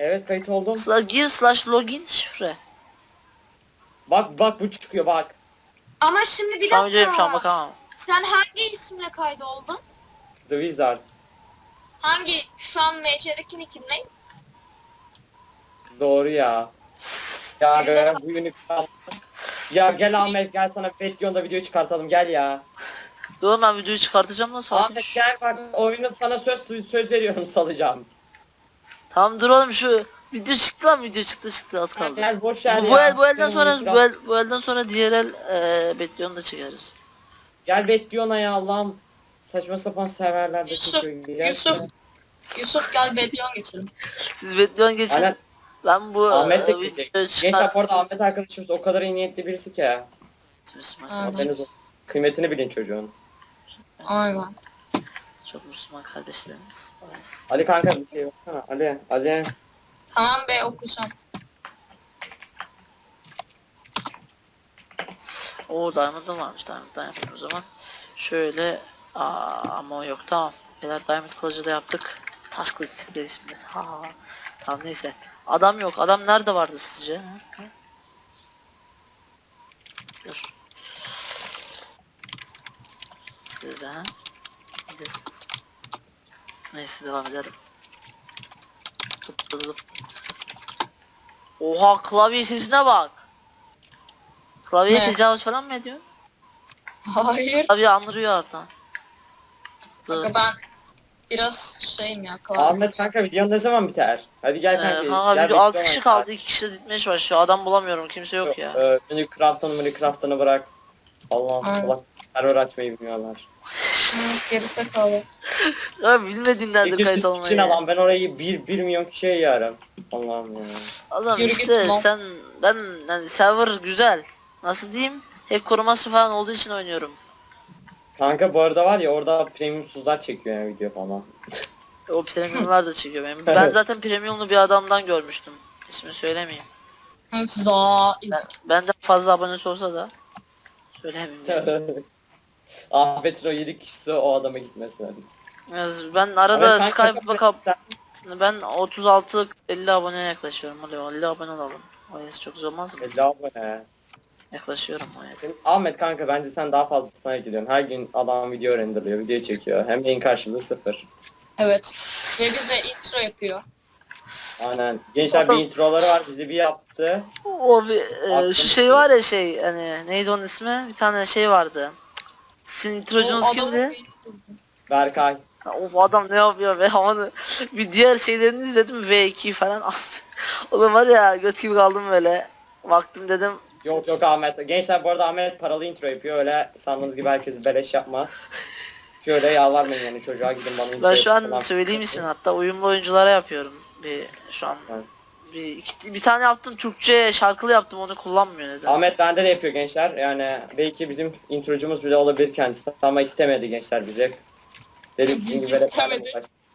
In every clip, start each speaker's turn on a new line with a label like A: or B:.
A: Evet kayıt oldum.
B: Gir /login şifre.
A: Bak bu çıkıyor bak.
C: Ama şimdi bir
B: Şu an videoyum, şu an
C: dakika.
B: bakamam.
C: Sen hangi isimle kaydoldun?
A: The Wizard.
C: Hangi şu an MC'deki nickin ne?
A: Doğru ya. Ya be, bu Unicraft. Ya gel Ahmet gel sana Betyon'da video çıkartalım gel ya.
B: Dur ben videoyu çıkartacağım nasıl?
A: Ahmet gel bak oyunu sana söz veriyorum salacağım.
B: Tamam dur oğlum, şu video çıktı lan, video çıktı az
A: Gel,
B: kaldı.
A: gel boş ver
B: Bu
A: ya.
B: el, bu elden
A: Senin
B: sonra
A: Unicraft-
B: bu elden sonra diğer el Betlion'u da çekeriz.
A: Gel Betyon'a ya Allah'ım. Saçma sapan serverlerde
C: Yusuf,
A: çıkıyor. Gel
C: Yusuf.
A: sana.
C: Yusuf gel Bedyon geçelim.
B: Siz Betlion geçin.
A: Aynen.
B: Ben bu
A: Ahmet de
B: videoyu
A: gidecek. Gençler bu arada
B: çıkarsın.
A: Ahmet arkadaşımız o kadar iyi niyetli birisi ki ya.
C: Aynen.
A: Haberiniz olsun. Kıymetini bilin çocuğun.
C: Aynen.
B: Çok Müslüman kardeşlerimiz. Evet.
A: Ali kanka bir şey baksana. Ali.
C: Tamam be okusam.
B: Oo Diamond'ım varmış. Diamond'dan yapayım o zaman. Şöyle ama o yok, tamam. Beyler Diamond kılıcı da yaptık. Taş kılıç istedim şimdi. Ha. Tamam neyse. Adam yok. Adam nerede vardı sizce? Ha? Dur. Siz de ha? Gidiyorsunuz. Neyse devam edelim. Tıp. Oha klavye sesine bak. Klavyeye
C: Ne?
B: tecavüz falan mı ediyor?
C: Hayır.
B: Klavye andırıyor artan.
C: Kanka ben biraz şeyim ya.
A: Ahmet kanka videon ne zaman biter? Hadi gel kanka.
B: Kanka
A: gel
B: video 6
A: Betyon'a
B: kişi
A: gel.
B: kaldı, 2 kişi de ditmeye başlıyor. Adam bulamıyorum, kimse yok ya.
A: Unicraft'ını bırak. Allah'ım
C: Aynen.
A: salak. Server açmayı bilmiyorlar.
C: Geri sakalı.
B: Ya bilmediğinlerdir kayıt
A: 200
B: olmayı.
A: kişi lan ben orayı 1 milyon kişiye yarım. Allah'ım ya.
B: Adam
C: Yürü
B: işte
C: git lan.
B: ben yani server güzel. Nasıl diyeyim? Hack koruması falan olduğu için oynuyorum.
A: Kanka bu arada var ya orada premiumsuzlar çekiyor yani video falan.
B: O premiumlar da çekiyor benim. Ben zaten premiumlu bir adamdan görmüştüm. İsmini söylemeyeyim.
C: Za.
B: Benden fazla abonesi olsa da söylemeyeyim.
A: Ahmet'in o 7 kişisi o adama gitmesin hadi.
B: Yani ben arada
A: Ahmet kanka
B: Skype
A: çok
B: bakıp
A: güzel.
B: ben 36-50 aboneye yaklaşıyorum. Oluyor 50 abone olalım. OS çok zor olmaz mı?
A: 50 abone.
B: Yaklaşıyorum OS.
A: Ahmet kanka bence sen daha fazlasına gidiyorsun. Her gün adam video renderlıyor, video çekiyor. Hem yayın karşılığı 0.
C: Evet. Ve bize intro yapıyor.
A: Aynen. Gençler bir introları var bizi bir yaptı.
B: O bir
A: Aklım
B: şu şey var ya şey hani neydi onun ismi? Bir tane şey vardı. Sizin introcunuz
C: O
B: kimdi?
C: adamın-
A: Berkay.
B: Ha, o adam ne yapıyor be onu bir diğer şeylerini izledim V2 falan. Oğlum var ya göt gibi kaldım böyle. Baktım dedim
A: Yok Ahmet. Gençler bu arada Ahmet paralı intro yapıyor. Öyle sandığınız gibi herkes beleş yapmaz. Şöyle yalvarmayın yani çocuğa gidin bana intro
B: ben şu an
A: falan.
B: söyleyeyim ismini, hatta uyumlu oyunculara yapıyorum. Şu an
A: Evet.
B: bir tane yaptım, Türkçe şarkılı yaptım, onu kullanmıyor neden.
A: Ahmet bende de yapıyor gençler. Yani belki bizim introcumuz bile olabilir kendisi. Ama istemedi gençler bize. Dedik
C: Bizi
A: sizin gibi böyle
C: istemedi.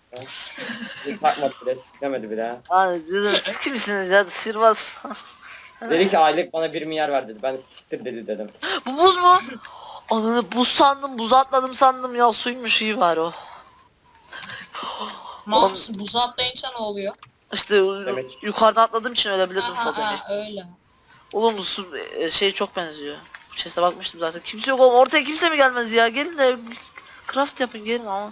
A: Bizi takmadı bile, istemedi bile.
B: Hani dedim siz kimsiniz ya, sihirbaz.
A: Dedi ki aylık bana 1 milyar ver dedi. Ben de siktir dedi dedim.
B: Bu buz mu? Ananı buz sandım, buza atladım sandım ya, suymuş, iyi var o.
C: Max buza atlayınca ne oluyor?
B: İşte
A: Demek.
B: yukarıdan atladığım için ölebilirdim
C: Ha,
B: falan
C: ha,
B: işte.
C: öyle.
B: Oğlum bu su şey çok benziyor. Bu chest'e bakmıştım zaten. Kimse yok oğlum, ortaya kimse mi gelmez ya? Gelin de craft yapın gelin ama.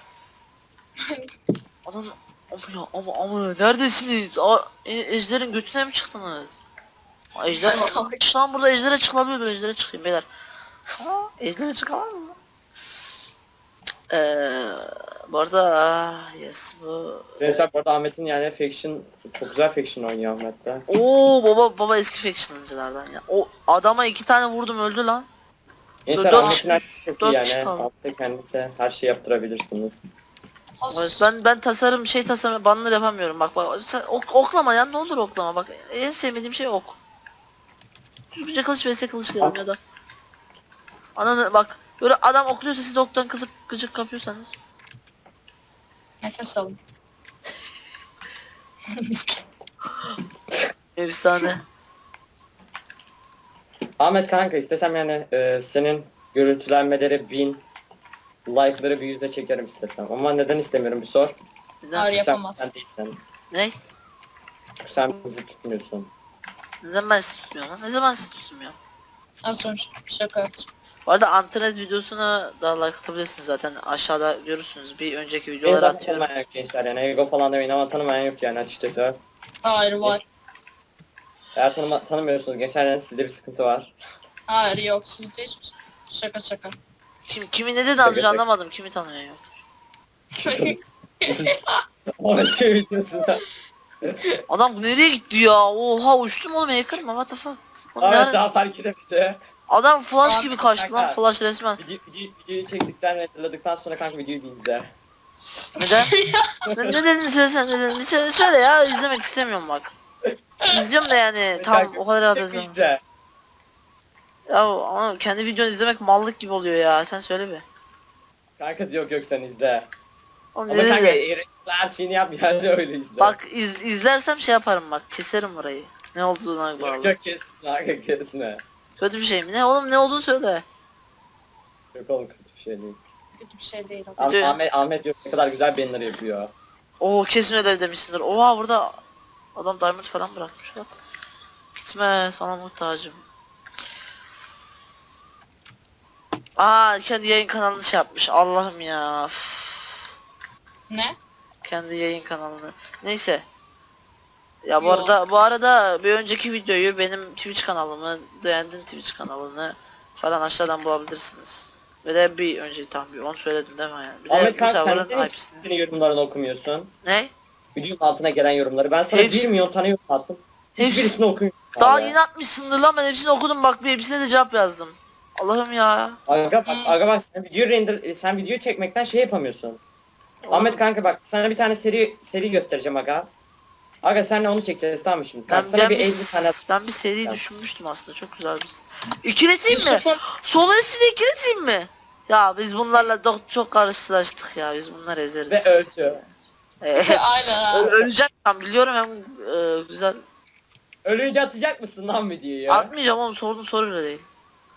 B: Adam ama neredesiniz? Ejder'in götüne mi çıktınız? Ejder şu an burada ejdere çıkılabilir, ben ejdere çıkayım beyler. Ejdere çıkamam mı? Bu arada yes bu.
A: Gençler bu arada Ahmet'in yani faction çok güzel faction oynuyor Ahmet'te.
B: Oo baba eski faction'cılardan ya. O adama 2 tane vurdum, öldü lan.
A: Gençler
B: Dört
A: Ahmet'in her şeyi çok
B: dört
A: iyi
B: kişi
A: yani.
B: kaldı.
A: Ahmet'te kendisi her şeyi yaptırabilirsiniz.
B: Evet, ben tasarım banner yapamıyorum, bak sen oklama ya, ne olur oklama, bak en sevmediğim şey ok. Düzgünce kılıç vs kılıç gelin ya da. Ananı bak böyle adam okluyorsa siz de oktan kızıp gıcık kapıyorsanız.
C: Nefes alın.
B: Efsane.
A: Ahmet kanka istesem yani senin görüntülenmeleri 1000 like'ları bir yüzde çekerim istesem. Ama neden istemiyorum bir sor.
B: Neden?
C: Hayır,
A: Sen
C: yapamaz.
A: sen değilsen.
B: Ne?
A: çünkü sen bizi tutmuyorsun.
B: Ne zaman ben sizi tutmuyorum lan? Ne zaman sizi tutmuyorum?
C: Az önce şaka yaptım.
B: Bu arada internet videosuna da like atabilirsiniz zaten. Aşağıda görürsünüz. Bir önceki
A: Beni
B: videoları
A: zaten
B: atıyorum.
A: tanımayan yok gençler yani ego falan demeyin ama tanımayan yok yani açıkçası.
C: Hayır var.
A: Eğer tanımıyorsunuz gençler yani sizde bir sıkıntı var.
C: Hayır yok sizde hiçbir şey. Şaka şaka.
B: Kimi ne dedi az önce
A: Şaka.
B: anlamadım. Kimi tanıyor yok.
A: Ahmet şey videosunda.
B: Adam nereye gitti ya? Oha uçtum oğlum hacker mı? What the fuck? Oğlum
A: Ahmet
B: ne
A: daha fark edemedi.
B: Adam flash
C: Abi,
B: gibi kaçtı lan
A: kanka.
B: flash resmen.
A: Videoyu çektikten ve tıkladıktan sonra kanka videoyu bir izle.
B: Neden? ne dedin söylesene ne dedin? Bir söyle ya izlemek istemiyorum bak. İzliyorum da yani tam
A: Kanka,
B: o kadar rahat
A: tek
B: izlemem.
A: izle.
B: Ya ama kendi videonu izlemek mallık gibi oluyor ya sen söyle bir.
A: Kanka yok sen izle.
B: Oğlum
A: Ama
B: ne
A: kanka
B: dedi?
A: her şeyini yap yani öyle izle.
B: Bak izlersem şey yaparım bak keserim burayı. Ne olduğuna bağlı.
A: Yok kesme kanka kesme.
B: Kötü bir şey mi? Ne oğlum ne olduğunu söyle.
A: Yok oğlum kötü bir şey değil.
C: Kötü bir şey değil o.
B: Kötü.
A: Ahmet yok ne kadar güzel banner yapıyor.
B: Oo kesin öyle demişsindir. Oha burada adam diamond falan bırakmış lan. Gitme sana muhtacım. Aa kendi yayın kanalını şey yapmış. Allah'ım ya. Üf.
C: Ne?
B: Kendi yayın kanalını. Neyse. Ya bu
C: Yo.
B: arada bir önceki videoyu benim Twitch kanalımı, Beğendin Twitch kanalını falan aşağıdan bulabilirsiniz. Ve de bir önceki tam bir onu söyledim değil mi yani? Bir de
A: Ahmet
B: bu
A: kanka sen
B: server'ın
A: niye
B: IP'sini.
A: senin yorumlarını okumuyorsun?
B: Ne?
A: Videonun altına gelen yorumları. Ben sana
B: Hepsi-
A: 1 milyon tane yorum attım.
B: Hepsi-
A: Hiçbirisini okumuyorsun.
B: Daha
A: abi.
B: yeni atmışsındır lan ben hepsini okudum bak bir hepsine de cevap yazdım. Allah'ım ya.
A: Aga bak sen video çekmekten şey yapamıyorsun. Ahmet kanka bak sana bir tane seri göstereceğim aga. Aga senle onu çekeceğiz tamam mı şimdi? Kanka sana bir 50 tane
B: ben bir seri
A: Tamam.
B: düşünmüştüm aslında çok güzel bir. İkileteyim mi?
C: Yusuf'un
B: Sol eskide ikileteyim mi? Ya biz bunlarla çok karşılaştık ya biz bunları ezeriz.
A: ve öldü.
C: aynen ha.
B: Öleceğim ben biliyorum hem güzel.
A: Ölünce atacak mısın lan videoyu?
B: Atmayacağım oğlum sorduğun soru bile değil.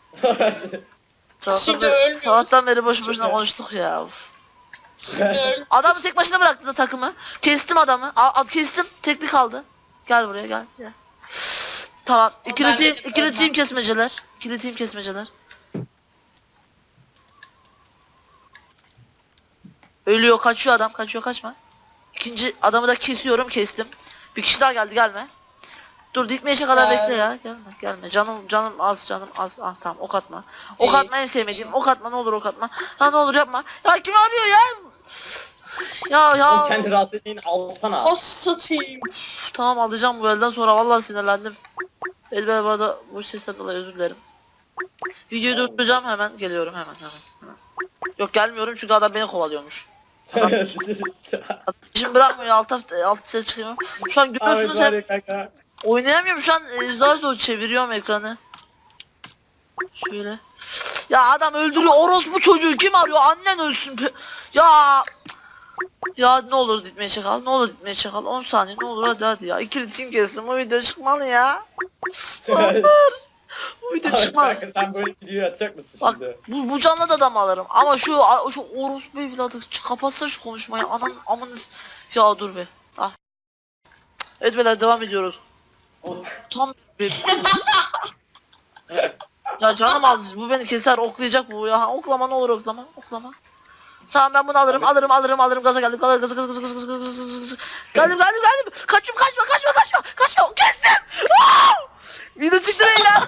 C: Şimdi ölmüyoruz.
B: Sabahtan beri boşu boşuna
A: Şimdi-
B: konuştuk ya. Uf.
C: Şimdi öl.
B: Adamı tek başına bıraktı da takımı. Kestim adamı. Kestim. Tekli kaldı. Gel buraya gel. Gel. Tamam.
C: Ben dedim,
B: İkili
C: ölmez.
B: team kesmeceler. İkili team kesmeceler. Ölüyor kaçıyor adam. Kaçıyor kaçma. İkinci adamı da kesiyorum kestim. Bir kişi daha geldi gelme. Dur dikmeyecek kadar
C: Gel.
B: bekle ya. Gelme gelme. Canım az canım az. Ah tamam ok atma. Ok
C: İyi.
B: atma en sevmediğim. Ok atma ne olur ok atma. Ya ne olur yapma. Ya kim arıyor ya? Ya.
A: Oğlum kendi rahatsız ettiğini alsana.
C: O satayım.
B: Üf, tamam alacağım bu elden sonra vallahi sinirlendim. Elbette bu arada bu sesten dolayı özür dilerim. Videoyu durduracağım hemen geliyorum hemen. Yok gelmiyorum çünkü adam beni kovalıyormuş. Şimdi bırakmıyor alt ses çıkıyor. Şu an
A: Ahmet
B: görüyorsunuz
A: var
B: hep
A: ya kanka.
B: oynayamıyorum şu an zar zor çeviriyorum ekranı. Şöyle. Ya adam öldürüyor orospu çocuğu kim arıyor annen ölsün. Ya. Ya ne olur ditmeye çakal, ne olur ditmeye çakal. 10 saniye ne olur hadi ya. İkili team kestim bu video çıkmalı ya. Bu video
A: Ahmet
B: çıkmalı.
A: kanka sen böyle videoyu atacak mısın
B: Bak
A: şimdi?
B: bu canlı da adam alırım ama şu orospu evladı kapatsa şu konuşmayı anan amını ya dur be. Ah. Evet beyler devam ediyoruz. Tam bir ya canım az bu beni keser oklayacak bu ya oklama ne olur oklama. Tamam ben bunu alırım gaza geldim gaza geldim kaçıyorum kaçma kestim. Video çıktı beyler.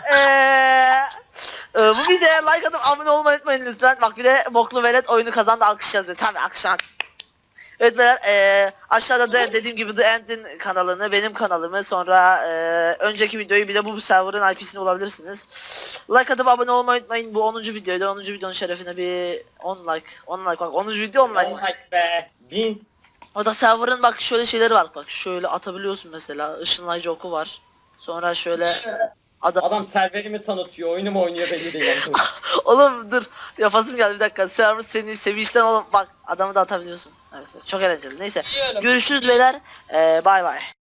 B: Bu videoya like atıp abone olmayı unutmayın lütfen. Bak bir de boklu velet oyunu kazandı alkış yazıyor. Tabii alkışlar. Evet beyler aşağıda da dediğim gibi The End'in kanalını, benim kanalımı sonra önceki videoyu bir de bu server'ın IP'sini bulabilirsiniz. Like atıp abone olmayı unutmayın. Bu 10. videoydu. 10. videonun şerefine bir 10 like bak 10. video 10 like.
A: Oh like be. 1000.
B: Orada server'ın bak şöyle şeyleri var bak şöyle atabiliyorsun mesela ışınlayıcı oku var. Sonra şöyle
A: Adam serverimi tanıtıyor, oyunu mu oynuyor belli değil.
B: oğlum dur yapasım geldi bir dakika server seni sevinçten oğlum bak adamı da atabiliyorsun. Evet çok eğlenceli neyse
C: Biliyorum.
B: görüşürüz beyler bay bay.